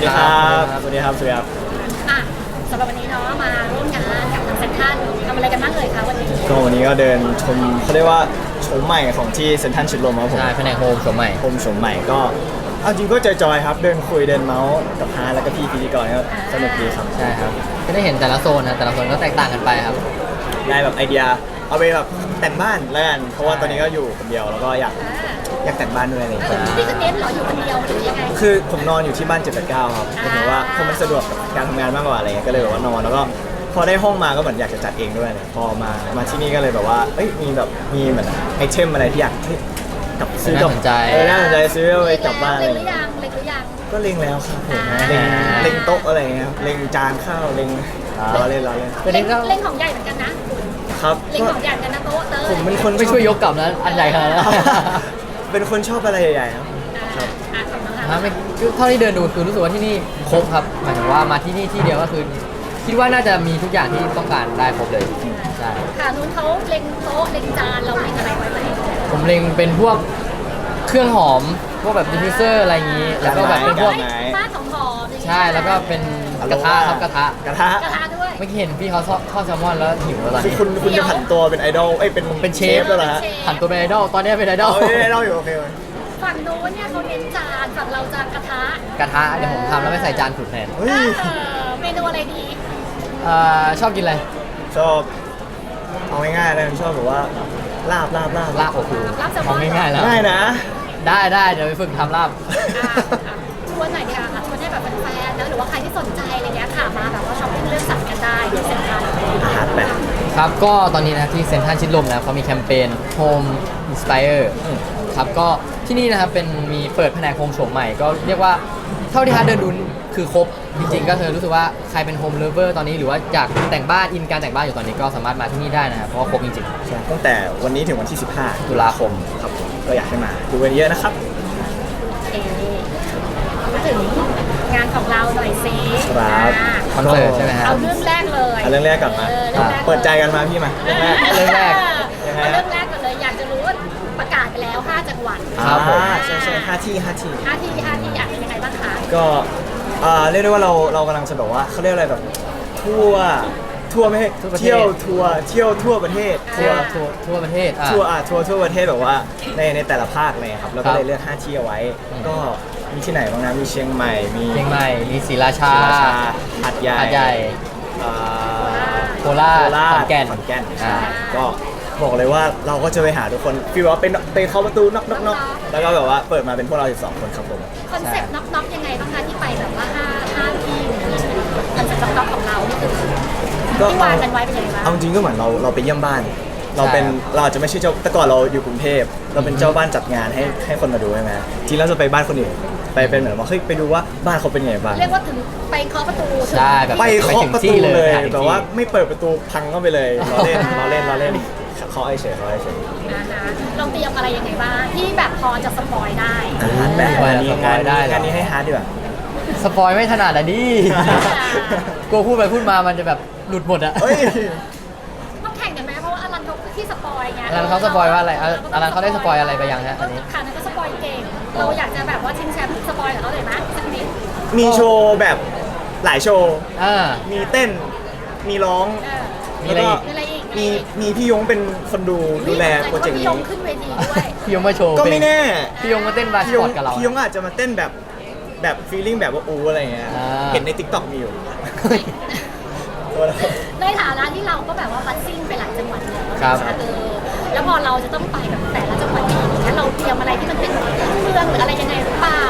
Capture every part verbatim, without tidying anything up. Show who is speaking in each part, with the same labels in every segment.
Speaker 1: ดีครับสวัสดีครับสวัสดีครับ
Speaker 2: อ่ะสำหรับวันนี้เนาะมาร่วมงานกับทางเซ็นทรัลทำอะไรกันบ้างเลยคะวันนี้
Speaker 1: ก็วันนี้ก็เดินชมเขาเรียกว่าโฉมใหม่ของที่เซ็นทรัลชิดลมครับผม
Speaker 3: ใช่แผนกโฮมโฉมใหม่
Speaker 1: โฮมโฉมใหม่ก็เอาจริงก็จอยๆครับเดินคุยเดินเมาส์กับฮาร์แล้วก็พี่พิธีกรก็สนุกดีครับ
Speaker 3: ใช่ครับก็ได้เห็นแต่ละโซนนะแต่ละโซนก็แตกต่างกันไปครับ
Speaker 1: ได้แบบไอเดียเอาไปแบบแต่งบ้านแล้วกันเพราะว่าตอนนี้ก็อยู่คนเดียวแล้วก็อยากอยากแต่งบ้านด้วยอะไรอย่างเงี้ย
Speaker 2: พี่ก็เน้นเหรออยู่คนเดียวหรือยังไง
Speaker 1: คือผมนอนอยู่ที่บ้านเจ็ดแปดเก้าครับก็ถือว่าผมมันสะดวกกับการทำงานมากกว่าอะไรเงี้ยก็เลยแบบว่านอนแล้วก็พอได้ห้องมาก็เหมือนอยากจะจัดเองด้วยเนี่ยพอมามาที่นี่ก็เลยแบบว่าเอ้ยมีแบบมีเหมือนไอเทมอะไรที่อยากกลับซื้อกลับเออน่าสนใจซื้อเอาไปกลับบ้านเลย
Speaker 2: เล็งหรือยังเล็งหรือยัง
Speaker 1: ก็เล็งแล้วครับผมเล็งเล็งโต๊ะอะไรเงี้ยเล็งจานข้าวเล็งรอเล่นรอเล่น
Speaker 2: เล็งเล็งของใหญ่เหมือนกันนะครับเล็งของใหญ่เหมือนกันนะโต๊ะเตอร์
Speaker 1: ผมเป็นคน
Speaker 3: ไม่ช่วยยกกลับนะอันใหญ่ขนาดนั้น
Speaker 1: เป็นคนชอบอะไรใหญ่ๆครับ
Speaker 3: ครับไม่เท่าที่เดินดูคือรู้สึกว่าที่นี่ครบครับหมายถึงว่ามาที่นี่ที่เดียวก็คือคิดว่าน่าจะมีทุกอย่างที่ต้องการได้ครบเลยใช่
Speaker 2: ค่ะนู้นเขาเล็งโต๊ะเล็งจานเราเล็งอะไรไว้ไหม
Speaker 3: ผมเล็งเป็นพวกเครื่องหอมพวกแบบดิฟฟิวเซอร์อะไรอย่างนี้แล้วก็แบบเป็นพวก
Speaker 2: บ้านของหอม
Speaker 3: ใช่แล้วก็เป็นกระทะครับกระทะ
Speaker 1: กระทะ
Speaker 2: กระทะด้วย
Speaker 3: ไม่เห็นพี่เขาทอดแซลมอนแล้วหิวแล้วตอนนี้
Speaker 1: คุณคุณจะผันตัวเป็นไอดอลเอ้ยเป็น
Speaker 3: เป็นเชฟ
Speaker 1: แล้วเหรอฮะ
Speaker 3: ผันตัวเป็นไอดอลตอนนี้เป็นไอดอล
Speaker 1: เป็นไอดอลอยู่โอเค
Speaker 2: ฝั่งโน้นเนี่ยเขาเน้นจานฝั่งเราจานกระทะ
Speaker 3: กระทะเดี๋ยวผมทำแล้วไม่ใส่จานขุดแทน
Speaker 2: เมนูอะไรดี
Speaker 3: ชอบกินอะไร
Speaker 1: ชอบเอาง่ายๆเลยชอบแบบว่าลาบลาบลาบ
Speaker 3: ลาบโอ้โหเอาง่ายๆแล้ว
Speaker 1: ง่ายนะ
Speaker 3: ได้ได้เดี๋ยวไปฝึกทำลาบ
Speaker 2: ชวนหน่อยดีกว่าค่ะชวนให้แบบแฟนๆนะหรือว่าใครที่สนใจอะไรเงี้ยค่ะมาแบบว่าช้อปปิ้งเลือกสรรกันได้ที่เซ็นทรัล
Speaker 1: อาหารแบบ
Speaker 3: ครับก็ตอนนี้นะที่เซ็นทรัลชิดลมนะเขามีแคมเปญ Home Inspire ครับก็ที่นี่นะครับเป็นมีเปิดแผนกโฮมโฉมใหม่ก็เรียกว่าเท่าที่ฮาร์ดเดินดูคือครบจริงๆก็เธอรู้สึกว่าใครเป็นโฮมเลเวอร์ตอนนี้หรือว่าอยากแต่งบ้านอินการแต่งบ้านอยู่ตอนนี้ก็สามารถมาที่นี่ได้นะครับเพราะว่าครบจริง
Speaker 1: ๆใช่ตั้งแต่วันนี้ถึงวันที่สิบห้า
Speaker 3: ตุลาคม
Speaker 1: ครับก็อยากให้มาดูกันเยอะนะครับ
Speaker 2: เอ๊มาถึงงานของเราหน่อยซิ
Speaker 1: ครับ
Speaker 3: คอนเสิร์ตใช่ไหมครับ
Speaker 2: เอาเรื่องแรกเลย
Speaker 1: เอาเรื่องแรกก่อนมาเปิดใจกันมาพี่มาเรื่องแรก
Speaker 3: เรื่องแรก
Speaker 2: เรื่องแรกก่อนเลยอยากจะรู้ว่าประกาศไปแล้วห้าจังหวัด
Speaker 1: ครับผมใช่ใช่ห้าที่ห้าที่
Speaker 2: ห้าที่ห้าที่อยากเป็นยังไงบ้างคะ
Speaker 1: ก็เรียกได้ว่าเราเรากำลังจะแบบว่าเขาเรียกอะไรแบบทั่วทั่วไม่ใช่เที่ยวทัวร์เที่ยวทั่วประเทศ
Speaker 3: ทัวร์ทัวร์ทั่วประเทศ
Speaker 1: ทัวร์อ่ะทัวร์ทั่วประเทศแบบว่าในในแต่ละภาคเลยครับแล้วก็เลยเลือกห้าที่เอาไว้ก็มีที่ไหนบ้างนะมีเชียงใหม่มี
Speaker 3: เชียงใหม่มีศรีราชา
Speaker 1: หาดใหญ่
Speaker 3: หาดใหญ่โคราชขอนแก่น
Speaker 1: ขอนแก่นก็บอกเลยว่าเราก็จะไปหาทุกคนฟีลว่าเป็นไปเข้าประตูน็อกน็อกน็อกแล้วก็แบบว่าเปิดมาเป็นพวกเราสิบสองคนครับผม
Speaker 2: คอนเซ็ปต์น็อกน็อกยังไงบ้างคะที่ไปแบบว่าห้าห้าที่คอนเซ็ปต์น็อกน็อกของเราที่คือที่วางกันไว้เป็นยังไงบ้าง
Speaker 1: เอาจริงก็เหมือนเราเราไปเยี่ยมบ้านเราเป็นเราอาจจะไม่ใช่เจ้าแต่ก่อนเราอยู่กรุงเทพเราเป็นเจ้าบ้านจัดงานให้ให้คนมาดูใช่ไหมทีเราจะไปบ้านคนอื่นไปเป็นเหมือนว่าเฮ้ยไปดูว่าบ้านเขาเป็นยังไงบ้าง
Speaker 2: เรียกว่าถึงไปเคาะประตู
Speaker 3: ใช่แบบ
Speaker 1: ไปเคาะประตูเลยแต่ว่าไม่เปิดประตูพังเข้าไปเลยเราเล่นเราเล่นเราเล่นเขาไอเฉยเขาไอเฉย
Speaker 2: นะคะเราเตรียมอะไรยังไงบ้างที่แบบพอจะสปอยได้
Speaker 1: แบบนี้งานนี้งานนี้ให้ฮาร์ดดีกว่า
Speaker 3: สปอยไม่ถนัดอ่ะดิกลัวพูดไปพูดมามันจะแบบหลุดหมดอ่ะ
Speaker 2: ต้องแข่งกันไหมเพราะว่าอลันเขาที่สปอยไง
Speaker 3: อลันเขาสปอยว่าอะไรอลันเขาได้สปอยอะไรไปยังฮะอันนี้
Speaker 2: ค่ะนั่นก็สปอยเก่งเราอยากจะแบบว่าชิงแชมป์สปอยกับเขาเลยไหมสักนิด
Speaker 1: มีโชว์แบบหลายโชว์มีเต้นมีร้อง
Speaker 3: มีอะไรอีก
Speaker 1: มีมีพี่ยงเป็นคนดูดูแลโปรเจกต์นี้
Speaker 2: พี่ยงขึ้นเวทีด้วย
Speaker 3: พี่ยงมาโชว์
Speaker 1: ก็ไม่แน่
Speaker 3: พี่ยงมาเต้นบาสปอร์ตกับเรา
Speaker 1: พี่ยงอาจจะมาเต้นแบบแบบฟีลลิ่งแบบว่าอูอะไรเงี้ยเห็นใน ติ๊กต็อก มีอยู่
Speaker 2: ในฐานะที่เราก็แบบว่าบัสซิ่งไปหลายจังหวัดแล้ว
Speaker 3: ครับ
Speaker 2: เออแล้วพอเราจะต้องไปแบบแต่ละจังหวัดนี้งั้นเราเตรียมอะไรที่มันเป็นเมืองหรืออะไรยังไงหรือเปล่า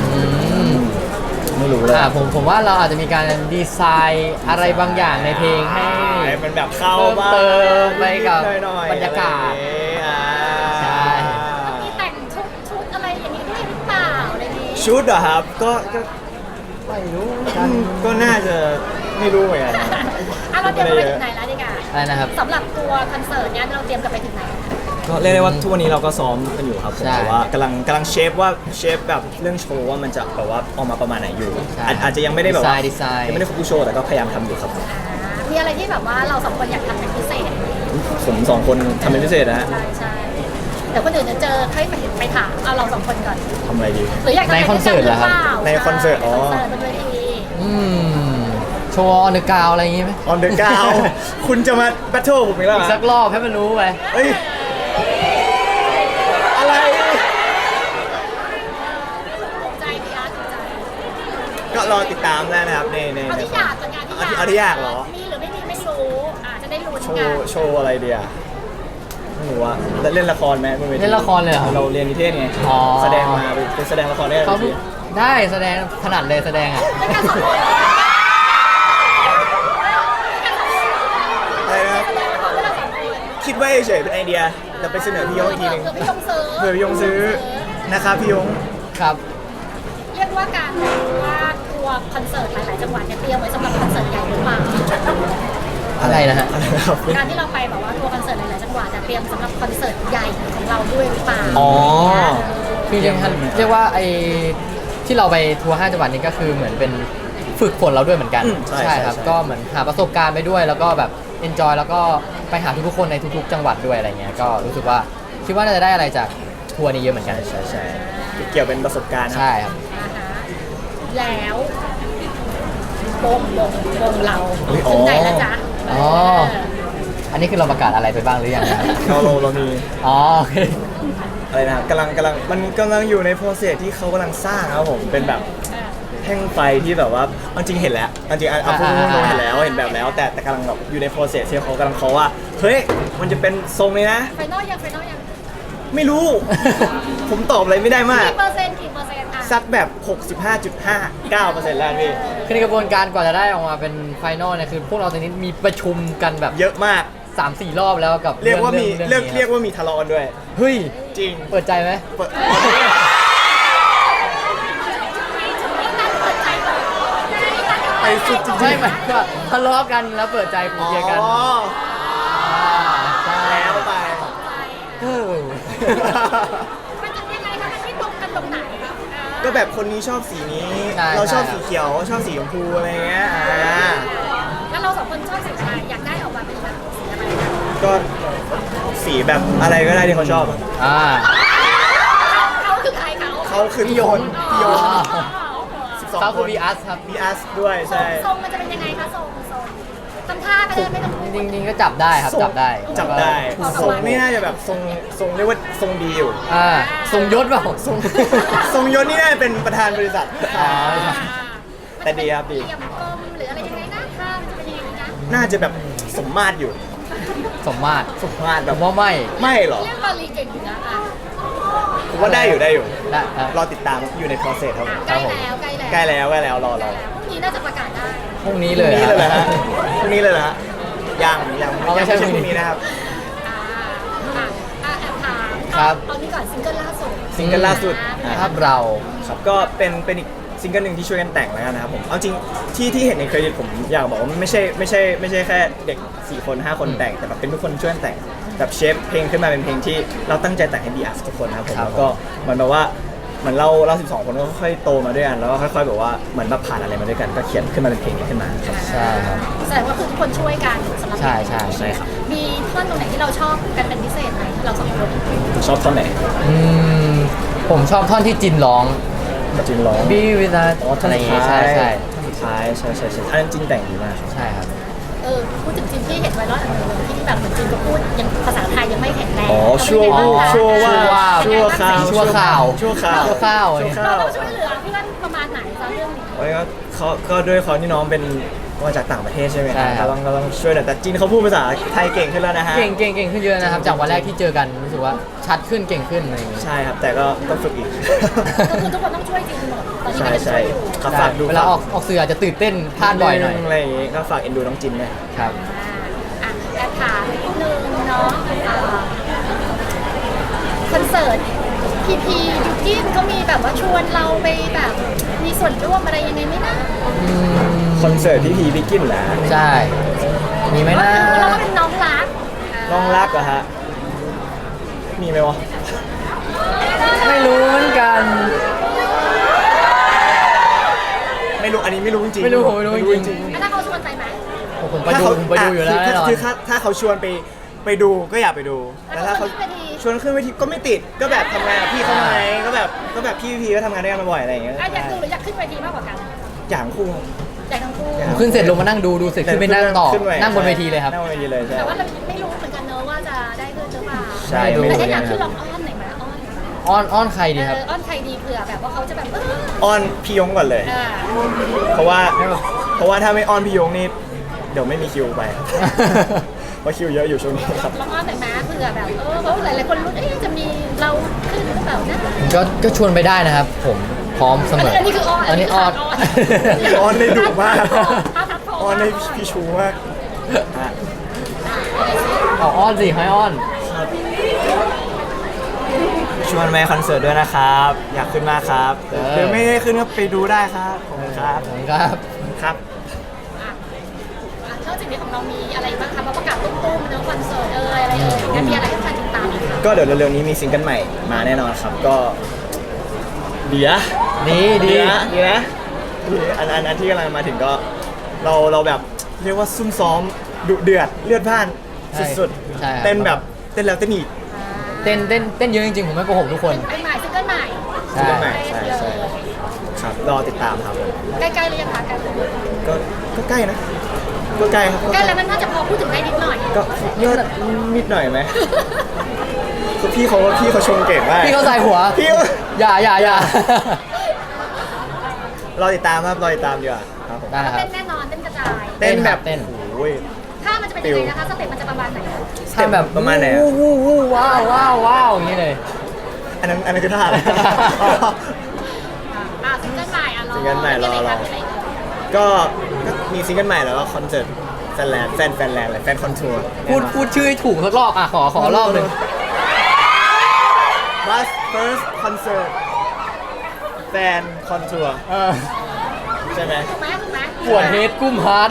Speaker 1: ไม่รู้เลย
Speaker 3: ผมผมว่าเราอาจจะมีการดีไซน์อะไรบางอย่างในเพลงให้
Speaker 1: มันแบบเข้า
Speaker 3: เติมไปกับบรรยากาศ
Speaker 2: ใช่มีแต่งชุดชุดอะไรอย่างนี้ด้วยหรือเปล่าอะไรนี้
Speaker 1: ชุดเหรอครับก็ก็
Speaker 3: ไม่รู้
Speaker 1: ก็น่าจะไม่รู้เหมือนกัน
Speaker 2: อ่ะเราเตรียมไปถึงไหนแล้วดีกว่า
Speaker 3: อะไรนะครับ
Speaker 2: สำหรับตัวคอนเสิร์ตเนี้ยเราเตรียมกันไปถึงไหน
Speaker 1: ก็เรียกได้ว่าทุกวันนี้เราก็ซ้อมกันอยู่ครับผมแต่ว่ากำลังกำลังเชฟว่าเชฟแบบเรื่องโชว์ว่ามันจะแบบว่าออกมาประมาณไหนอยู่อาจจะยังไม่ได้แบบว่ายังไม่ได้ครบทุกโชว์แต่ก็พยายามทำอยู่ครับ
Speaker 2: มีอะไรที่แบบว่าเราสองคนอยากทำเป็นพิเศษ
Speaker 1: ผมสองคนทำเป็นพิเศษนะฮะ
Speaker 2: ใช่ใช่เดี๋ยวคนอื่นจะเจอให้ไปไปถามเอาเราสองคนก่อน
Speaker 1: ทำอะไรดี
Speaker 2: หรืออยาก
Speaker 3: ในคอนเสิร์ตเหรอครับ
Speaker 1: ในคอนเสิร์ตอ๋อ
Speaker 3: อืมโชว์ออนเดอะกราวอะไรอย่างงี้ไหม
Speaker 1: ออนเดอะกาว คุณจะมาแบทเทิลผมอีกแล้ว
Speaker 3: อี
Speaker 1: เหร
Speaker 3: ก
Speaker 1: อ
Speaker 3: สักรอบให้มันรู้ไป
Speaker 1: เอ้ย อะไร
Speaker 2: ถูกใจพี่อาร์ตถูกใจ
Speaker 1: ก็รอติดตามได้นะครับในใน
Speaker 2: เอา
Speaker 1: ใน
Speaker 2: ที่อยากก่อนงานที่
Speaker 1: เอาที่เอาที่อยากเหรอ
Speaker 2: มีหรือไม่มีไม่รู้อ่าจะได้รู้
Speaker 1: โช
Speaker 2: กัน
Speaker 1: ว์โชว์อะไรเดียไม่รู้ว่าเล่นละครไหมบวที
Speaker 3: เล่นละครเลยเหรอ
Speaker 1: เราเรียนนิเทศไง
Speaker 3: อ๋อ
Speaker 1: แสดงมาเป็นแสดงละครได้
Speaker 3: เขา
Speaker 1: ที
Speaker 3: ได้แสดงถนัดเลยแสดงอ่ะ
Speaker 2: แล้วกันสองคน
Speaker 1: อะไรนะครับ
Speaker 2: แล้วกันสองคน
Speaker 1: คิดไว้เฉยๆเป็นไอเดียแต่ไปเสนอพี่ยงอีกทีหนึง
Speaker 2: เผื่อพี่ยงซื้อ
Speaker 1: เผื่อพี่ยงซื้อนะครับพี่ยง
Speaker 3: ครับ
Speaker 2: เรียกว่าการว่าทัวร์คอนเสิร์ตหลาย ๆ จังหวัดเนี่ยเตรียมไว้สำหรับคอนเสิร์ตใหญ่หรือเปล่า
Speaker 3: อะไรนะฮะ
Speaker 1: อะไรนะครับ
Speaker 2: การที่เราไปแบบว่าทัวร์คอนเสิร์ตหลาย ๆ จังหวัดจะเตรียมสำหรับคอนเสิร์ตใหญ่ของเราด้วยหรือเปล่า
Speaker 1: อ๋อ
Speaker 3: คือจริงๆเรียกว่าไอ้ที่เราไปทัวร์ห้าจังหวัดนี้ก็คือเหมือนเป็นฝึกฝนเราด้วยเหมือนกัน
Speaker 1: อืมใช่ใช่
Speaker 3: ครับ
Speaker 1: ใช่
Speaker 3: ก็เหมือนหาประสบการณ์ไปด้วย แล้วก็แบบเอนจอยแล้วก็ไปหาทุกๆคนในทุกๆ จังหวัดด้วยอะไรเงี้ยก็รู้สึกว่าคิดว่าน่าจะได้อะไรจากทัวร์นี้เยอะเหมือนกัน
Speaker 1: ใช่ใช่เกี่ยวเป็นประสบการณ์ครับ
Speaker 3: ใช่ครับ
Speaker 2: นะคะแล้ววงวงวงเรา
Speaker 1: อุ๊ยอ๋อ
Speaker 2: ถึงไหนแล้วจ๊ะ
Speaker 3: อ๋อ อันนี้คือเราประกาศอะไรไปบ้างหรือยังนะครับ
Speaker 1: เราเราเรามี
Speaker 3: อ๋อโอเค
Speaker 1: อะไรนะครับกำลังกำลังมันกำลังอยู่ในโปรเซสที่เขากำลังสร้างครับผมเป็นแบบ
Speaker 2: เออ
Speaker 1: แท่งไฟที่แบบว่าเอาจริงเห็นแล้วเอาจริงอ่ะเอาพูด
Speaker 3: อ่า
Speaker 1: ตรงๆเห็นแล้วเห็นแบบแล้ว แต่แต่กำลังแบบอยู่ในโปรเซสที่เขากำลังเขาะว่าเฮ้ยมันจะเป็นทรงนี้นะ
Speaker 2: ไฟนอลยังไฟนอลยัง
Speaker 1: ไม่รู้ ผมตอบอะไรไม่ได้มาก
Speaker 2: กี่เปอร์เซ็นต์กี่เปอร์เซ็นต์อ่ะ
Speaker 1: สักแบบ หกสิบห้าจุดห้าเก้าเปอร์เซ็นต์ แล้วพี่
Speaker 3: คือในกระบวนการกว่าจะได้ออกมาเป็นไฟนอลเนี่ยคือพวกเราตอนนี้มีประชุมกันแบบ
Speaker 1: เยอะมาก
Speaker 3: สามสี่รอบแล้วกับ
Speaker 1: เรียกว่ามี
Speaker 3: อง
Speaker 1: เรียก
Speaker 3: นี้
Speaker 1: เรียกว่ามีทะเลาะกันด้วย
Speaker 3: เฮ้ย
Speaker 1: จริง
Speaker 3: เปิดใจไหม
Speaker 1: เปิด ไปสุดจริงๆ
Speaker 3: ไม่หมายถึงว่าทะเลาะกันแล้วเปิดใจคุยกัน
Speaker 1: อ๋อ
Speaker 3: ใช่
Speaker 1: แล้วไป
Speaker 3: เออ
Speaker 2: มันจะยังไงคะมันไม่ตรงกันตรงไหนคะ
Speaker 1: ก็แบบคนนี้ชอบสีนี้ เราชอบสีเขียว ชอบสีชมพูอะไรเงี้ยอ่า
Speaker 2: แล้วเราสองคนชอบสีอะไรอยากได้ออกมาเป็นแบบสีอะไรนะ
Speaker 1: ก็สีแบบอะไรก็ได้ที่เขาชอบ
Speaker 3: อ่า
Speaker 2: เขาคือใครเขา
Speaker 1: เขาคือทุกคน
Speaker 3: พี่
Speaker 1: พี่
Speaker 3: ย
Speaker 1: ย
Speaker 3: ง
Speaker 1: ง
Speaker 3: อ๋อ
Speaker 1: สิบสอง
Speaker 3: เขา
Speaker 1: ค
Speaker 3: คือน วีอัสครับ
Speaker 1: มีอัสด้วยใช่
Speaker 2: ทรงมันจะเป็นยังไงคะทรงทรงทำท่าไปเลยไม่ต้องพูด
Speaker 3: จริงๆก็จับได้ครับ
Speaker 1: ทรง
Speaker 3: จับได้
Speaker 1: จับได้
Speaker 2: ขอ
Speaker 1: ทรงนี่น่าจะแบบทรงทรงเรียกว่าทรงดีอยู่
Speaker 3: อ่าทรงยศเปล่า
Speaker 1: ทรง ทรงยศนี่น่าจะเป็นประธานบริษัท
Speaker 3: อ๋อ
Speaker 1: แต่ดีครับดี
Speaker 2: เหลี่ยมกลมหรืออะไรยังไงนะท่ามันจะเป็นยังไงนะ
Speaker 1: น่าจะแบบสมมาตรอยู่
Speaker 3: สมมาตร
Speaker 1: สมมาตร
Speaker 3: ผ
Speaker 1: แบบ
Speaker 3: มว่าไม่
Speaker 1: ไม่หรอ
Speaker 2: เรียกบาลีเก่งอยู่นะอ่ะ
Speaker 1: ผมว่าได้อยู่ได้อยู่
Speaker 3: ได้ครับ
Speaker 1: รอติดตามอยู่ใน process ครับผม
Speaker 2: ใกล้แล้วใกล้แล้ว
Speaker 1: ใกล้แล้วใกล้แล้วรอรอ
Speaker 2: พรุ่งนี้น่าจะประกาศได้
Speaker 3: พรุ่งนี้
Speaker 1: พ
Speaker 3: เล
Speaker 1: รุ่ง
Speaker 3: ย
Speaker 1: นี้เลยเหรอ
Speaker 3: ครั
Speaker 1: ฮะ
Speaker 3: บ
Speaker 1: พรุ่งนี้เลยเหรอฮะยังยัง
Speaker 3: เอาไม่
Speaker 1: ยัง
Speaker 3: ใช่
Speaker 1: ไม่ใช่
Speaker 3: พ
Speaker 1: พ
Speaker 3: รุ่
Speaker 1: รุ่
Speaker 3: ง
Speaker 1: ง
Speaker 3: นี้
Speaker 1: นี้นะครับ
Speaker 2: อ่าอ่ะอ่ะแอบถาม
Speaker 3: ครับ
Speaker 2: เอานี่ก่อนซิงเกิลล่าสุด
Speaker 1: ซิงเกิลล่าสุด
Speaker 2: อ่า
Speaker 3: ภาพเรา
Speaker 1: ครับก็เป็นเป็นอีกซิงเกิลหนึ่งที่ช่วยกันแต่งแล้วกันนะครับผมเอาจริงที่ที่เห็นในเครดิตผมอยากบอกว่าไม่ใช่ไม่ใช่ไม่ใช่แค่เด็กสี่คนห้าคนแต่งแต่แบบเป็นทุกคนช่วยกันแต่งแบบเชฟเพลงขึ้นมาเป็นเพลงที่เราตั้งใจแต่งให้บีอาร์ทุกคนนะครับผม
Speaker 3: ครับ
Speaker 1: แล้วก็เหมือนแบบว่าเหมือนเราเราสิบสองคนก็ค่อยๆโตมาด้วยกันแล้วก็ค่อยๆแบบว่าเหมือนแบบผ่านอะไรมาด้วยกันก็เขียนขึ้นมาเป็นเพลงนี้ขึ้นมาครับ
Speaker 3: ใช่ครับ
Speaker 2: แสดงว่าคือทุกคนช่วยกันสำหรับ
Speaker 3: ใช่ใช่
Speaker 1: ใช่ครับ
Speaker 2: มีท่อนตรงไหนที่เราชอบกันเป็นพิเศษไหมเราสองคน
Speaker 1: ชอบท่อนไหน
Speaker 3: อืมผมชอบท่อนที่จินร้อง
Speaker 1: จินร้อง
Speaker 3: Be with us
Speaker 1: อ๋อท่อน
Speaker 3: อะไรอย่าง
Speaker 1: สุ
Speaker 3: งี้
Speaker 1: ด
Speaker 3: ใช่
Speaker 1: ท้าย
Speaker 3: ใช่
Speaker 1: ท่อนสุดท้ายใช่ใช่ใช่อันนั้นจินแต่งดีมากครับ
Speaker 3: ใช่ครับ
Speaker 2: เออพูดถึงจินที่เห็นไวรัลอันหนึงที่แบบเหมือนจินก็พูดยังภาษาไทยยังไม่แข็งแรง
Speaker 1: อ๋อชั่ว
Speaker 2: เราเป็นยังไงบ้างคะ
Speaker 1: ชั่วว่า
Speaker 3: ชั่วว่า
Speaker 1: ชั่วคราว
Speaker 3: ชั่วคราว
Speaker 1: ชั่วคราว
Speaker 3: ชั่วคราว
Speaker 1: ชั่วค
Speaker 2: เรา
Speaker 1: ราว
Speaker 2: ต้องช่วยเหลือเพื่อนประมาณไหนคะเรื่องนี้
Speaker 1: โอ้ยก็เขาก็ด้วยเขาที่น้องเป็นมาจากต่างประเทศใช่ไหม
Speaker 3: ใช่ครับ
Speaker 1: ก็ต้องก็ต้องช่วยหน่อยแต่จีนเขาพูดภาษาไทยเก่งขึ้นแล้วนะฮะ
Speaker 3: เก่งเก่งเก่งขึ้นเยอะนะครับ จากวันแรกที่เจอกันรู้สึกว่าชัดขึ้นเก่งขึ้นอะไรอย่างงี้
Speaker 1: ใช่ครับแต่ก็ต้องฝึกอีก
Speaker 2: ก็คือทุกคนต้องช่วยจินหมดตอนนี้
Speaker 1: ใช่
Speaker 2: ก็ยังช่
Speaker 1: ใช่
Speaker 2: วยอยู่
Speaker 1: ครับฝากดู
Speaker 3: เวลาออกออกสื่ออาจจะตื่นเต้นพลาดบ่อยหน่อย
Speaker 1: อะไรอย่างงี้ก็ฝากเอ็นดูน้องจินด้วย
Speaker 3: ครับ
Speaker 2: อ่ะแอบถามนิดนึงเนาะอ่าคอนเสิร์ตพีพียูกินเขามีแบบว่าชวนเราไปแบบมีส่วนร่วมอะไรยังไงไหมนะ
Speaker 1: คอนเสิร์ตที่พีบิกกินแหละ
Speaker 3: ใช่ มีไหม
Speaker 2: ก็
Speaker 3: นะ
Speaker 2: คือเราก็เป็นน้องรัก
Speaker 1: น้องรักเหรอฮะมีไหมวะ
Speaker 3: ไม่รู้เหมือนกัน
Speaker 1: ไม่รู้อันนี้ไม่รู้จริงๆ
Speaker 3: ไม่รู้ผมไม่รู้จริง
Speaker 2: แล้วถ้าเขาชวนไปไหม
Speaker 3: ผมไป
Speaker 1: ถ้า
Speaker 3: ดู
Speaker 1: เขา
Speaker 3: ผมไปดูอยู่แล้ว
Speaker 1: ะ
Speaker 3: แน่นอน
Speaker 1: คือถ้าถ้าเขาชวนไปไปดูก็อยากไปดู
Speaker 2: แล้ว
Speaker 1: ถ้า
Speaker 2: เขา
Speaker 1: เขา
Speaker 2: ชวนขึ้นเวที
Speaker 1: ชวนขึ้นเวทีก็ไม่ติดก็แบบทำงานกับพี่เขาไงก็แบบก็แบบพี่พีก็ทำงานด้วยกันมาบ่อยอะไรอย่างเงี้ย
Speaker 2: อ่ะอยากดูหรืออยากขึ้นเวทีมากกว่ากัน
Speaker 1: อย่างคู่ครับ
Speaker 2: อยากทั้งคู่
Speaker 3: ผมขึ้นเสร็จลงมานั่งดูดูเสร็จขึ้นไปนั่งต่อ
Speaker 1: ขึ้ไป
Speaker 3: นั่งบนเวทีเลยครับ
Speaker 1: นั่งบนเวทีเลยใช่
Speaker 2: แต่ว่าเราไม่รู้เหมือนกันเนอะว่าจะได้ด้วยหรือเปล่า
Speaker 1: ใช่
Speaker 3: ไม่รู้
Speaker 2: แต่
Speaker 1: ไม่
Speaker 2: ถ้า
Speaker 1: รู้
Speaker 2: อยากขึ้นล
Speaker 1: นะ
Speaker 2: องอ้อนหน่อยไหมอ้อน
Speaker 3: อ้อนอ้อนใครดี
Speaker 2: เอ
Speaker 3: ครับ
Speaker 2: ออ้อนใครดีเผื่อแบบว่าเขาจะแบบเออ
Speaker 1: อ้อนพี่ยงก่อนเลย
Speaker 2: อ่า
Speaker 1: เพราะว่าเพราะว่าถ้าไม่อ้อนพี่ยงนี่เดี๋ยวไม่มีคิวไป เพราะคิวเยอะอยู่ช่วงนี้ครับ
Speaker 2: ลองอ้อนหน่อยไหมเผื่อแบบเออเพราะหลายๆคนรู้เอ๊ะจะมีเราขึ้นหรือเปล่านะ
Speaker 3: ก็ก็ชวนไปได้นะครับ ผมพร้อมเสมอ
Speaker 2: อันนี้คืออ้อน
Speaker 3: อันนี้อ้อน
Speaker 1: อ้อนได้ดุมาก
Speaker 2: ถ้าทับท
Speaker 1: อ้อนได้พี่ชูมากฮะ
Speaker 3: เอาอ้อนสิให้อ้อน
Speaker 1: ชวนไปคอนเสิร์ตด้วยนะครับ อยากขึ้นมากครับหรือไม่ได้ขึ้นก็ไปดูได้ครับขอบคุณครับ
Speaker 3: ขอบคุณครับ
Speaker 1: ครับ
Speaker 2: อ่ะอ่ะนอกจากนี้ของเรามีอะไรบ้างคะมาประกาศตุ้มๆเนอะคอนเสิร์ตเอยอะไรเอ่ยงั้นมีอะไรให้แฟนติดตามอีกคะ
Speaker 1: ก็เดี๋ยวเร็วๆนี้มีซิงเกิลใหม่มาแน่นอนครับ ก็ดีนะ
Speaker 3: ดีดี
Speaker 1: นะดีนะดีอันอันอันที่กำลังมาถึงก็เราเราแบบเรียกว่าซุ่มซ้อมดุเดือดเลือดพล่านสุด
Speaker 3: ใช่ครับ
Speaker 1: ๆเต้นแบบเต้นแล้วเต้นอีก
Speaker 3: เต้นเต้นเต้นเยอะจริงๆ ผมไม่โกหกทุกคน
Speaker 2: เป็นใหม่ซิงเกิลใหม่
Speaker 3: ใช่
Speaker 1: ซิงเกิลใหม่ใช่
Speaker 2: เลย
Speaker 1: ใช่ครับรอติดตามครับผม
Speaker 2: ใกล้ๆเลยยังคะใกล้
Speaker 1: ก็ก็ใกล้นะก็ใกล้ครับ
Speaker 2: ใกล้แล้วมันน่าจะพอพูดถึงได้นิดหน่อย
Speaker 1: ก็นิดนิดหน่อยไหมคือพี่เขาพี่เขาชมเก่งมาก
Speaker 3: พี่เขาใส่หัว
Speaker 1: พี่เขา
Speaker 3: อย่าอย่าอย่าร
Speaker 1: อติดตามครับรอติดตามดีกว่าครับผม
Speaker 3: ได้ครั
Speaker 2: เต้
Speaker 3: บ
Speaker 2: นแน่นอนเต้นกระจาย
Speaker 1: เต้นแบบ
Speaker 3: เต้น
Speaker 1: โอ้ย
Speaker 2: ถ้ามันจะเป็นยังไงนะคะสเต็ปมันจะประมาณไหนคะ
Speaker 3: ทำแบบ
Speaker 1: ประมาณไหนอะ
Speaker 3: วู้วู้วู้ว้าวว้าวว้าวอย่างนี้เลย
Speaker 1: อันนั้นอันนั้นคือท่าอะไร
Speaker 2: อ่าซิงเกิลใหม่อ่ะรอ
Speaker 1: ซิงเกิลใหม่รอรอ
Speaker 2: มีะไคะ
Speaker 1: ก็ก็มีซิงเกิลใหม่แล้วก็คอนเสิร์ตแฟนแลนด์แฟนแฟนแลนด์อะไรแฟนคอนทัวร์
Speaker 3: พูดพูดชื่อให้ถูกสักรอบอ่ะขอขอรอบหนึ่ง
Speaker 1: บัสเฟิร์สคอนเสิร์ตแฟนคอนทัวร์
Speaker 3: เออ
Speaker 1: ใช่ไหม
Speaker 2: ถูกไหมถูกไหม
Speaker 3: ปวดเฮดกุ้มฮาร์ด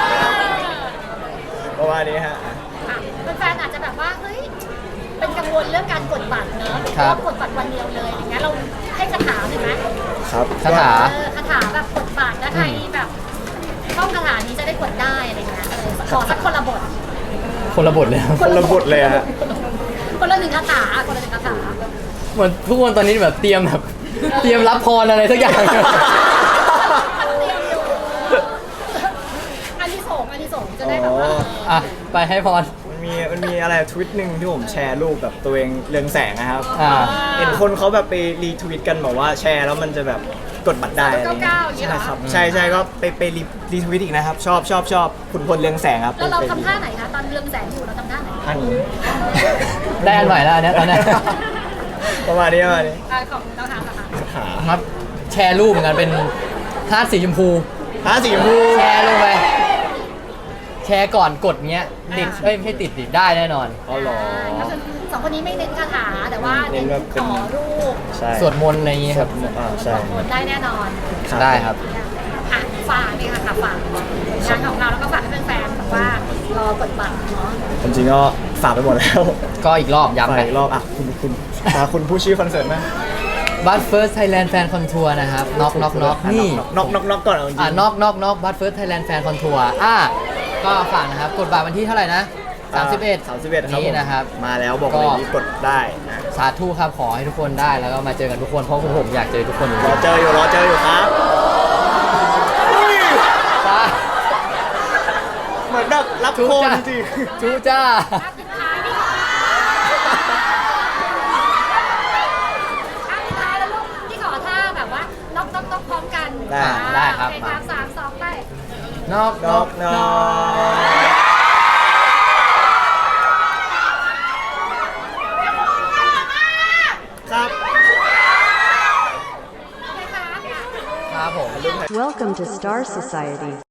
Speaker 1: เพราะว่านี้ฮะ
Speaker 2: อ่ะแฟนๆอาจจะแบบว่าเฮ้ยเป็นกังวลเรื่องการกดบัตรเนอะ
Speaker 3: ครับ
Speaker 2: เพาะว่ากดบัตรวันเดียวเลยอย่างเงี้ยเราให้คาถาหน่อยไหม
Speaker 1: ครับ
Speaker 3: คาถา
Speaker 2: เออคาถาแบบกดบัตรแล้วใครแบบท่องคาถานี้จะได้กดได้อะไรเงี้ยเออขอสักคนละบท
Speaker 3: คนละบทเลยครับ
Speaker 1: คนละบทเลยฮะ
Speaker 2: คนละหนึ่งคาถาคนละหนึ่งคาถา
Speaker 3: เหมือนทุกคนตอนนี้แบบเตรียมแบบเตรียมรับพรอะไรสักอย่าง
Speaker 2: เตรียมอยู่อันที่สองอันที่สองจะได้แบบว่า
Speaker 3: อ่ะไปให้พร
Speaker 1: มันมีมันมีอะไรทวิตหนึ่งที่ผมแชร์รูปแบบตัวเองเรืองแสงนะครับ
Speaker 3: อ่า
Speaker 1: เห็นคนเขาแบบไปรีทวิตกันบอกว่าแชร์แล้วมันจะแบบกดบัตรได้อะไรเงี้ยใช่ครับใช่ใช่ก็ไปไปรีรีทวิตอีกนะครับ ชอบชอบชอบขุนพลเรืองแสงครับ
Speaker 2: แล้วเรา
Speaker 1: ไป
Speaker 2: ทำท่าไหนคะตอนเรืองแสงอยู่เราทำท่าไหน
Speaker 1: ท่านนี้
Speaker 3: ได้อันใหม่แล้วอันเนี้ยตอนเนี้ย
Speaker 1: ประมาณนี้ประมาณนี้
Speaker 2: อ่าของเราถามค่ะ
Speaker 1: หา
Speaker 3: ครับแชร์รูปเหมือนกันเป็นฮาร์ดสีชมพู
Speaker 1: หาสีชมพู
Speaker 3: แชร์ลงไปแชร์ก่อนกดเงี้ยติดเอ้ยไม่ใช่ติดติดได้แน่นอน
Speaker 1: อ๋อเหรอ
Speaker 2: ก็คือสองคนนี้ไม่เน้นคาถาแต่ว่า
Speaker 1: เน้
Speaker 2: เน้น
Speaker 1: นแบบเป็น
Speaker 2: ขอรูป
Speaker 1: ใช่
Speaker 3: สวดมนต์อะไรอย่างงี้
Speaker 1: ส
Speaker 3: คว รับ
Speaker 1: ดมนต์อ่าใช่
Speaker 2: สวดมนต์ได้แน่นอน
Speaker 3: ได้ครับ
Speaker 2: อ่ะฝากนี่ค่ะค่ะฝากงานของเราแล้วก็ฝากให้แฟนๆแบบว่ารอกดบัตรเนาะ
Speaker 1: ผมจริงก็ฝากไปหมดแล้ว
Speaker 3: ก็อีกรอบย้ำ
Speaker 1: ฝาก
Speaker 3: ไป
Speaker 1: อีกรอบอ่ะคุณคุณอ่ะคุณผู้ชื่อคอนเสิร์ตไหม
Speaker 3: บัตเฟิร์สไทยแลนด์แฟนคอนทัวร์นะครับน็อกน็อกน็อกนี่
Speaker 1: น็อกน็อกน็อกก่อนเอาจริง
Speaker 3: อ่านอกนอกนอกบัตเฟิร์สไทยแลนด์แฟนคอนทัวร์อ่ะก็ฝากนะครับ กดบัตรวันที่เท่าไหร่นะสามสิบเอ็ด
Speaker 1: สามสิบเอ็ดครับ
Speaker 3: นี้
Speaker 1: ผม
Speaker 3: นะครับ
Speaker 1: มาแล้วบอก
Speaker 3: ก็
Speaker 1: เลยนี่กดได้นะ
Speaker 3: สาธุครับขอให้ทุกคนได้แล้วก็มาเจอกันทุกคนเพราะผมอยากเจอทุกคนจริง
Speaker 1: รอเจออยู่รอเจออยู่ครับ
Speaker 3: ๆจ้า
Speaker 1: เหมือนแบบรับ
Speaker 3: จู
Speaker 1: โคน
Speaker 3: จ้า
Speaker 1: จริง
Speaker 3: จูจ้า
Speaker 2: ภาพสุดท้ายนี่ค่ะภาพสุดท้ายแล้วลูกที่ขอท่าแบบว่าน็อกน็อกน็อกพร้อมกัน
Speaker 1: ได้
Speaker 3: ได้ครับ
Speaker 2: โอเคครับสามสองไป
Speaker 3: นอก
Speaker 1: นอกนอกครับ
Speaker 2: โอเคครับ
Speaker 3: ครับผม
Speaker 4: Welcome to Star Society.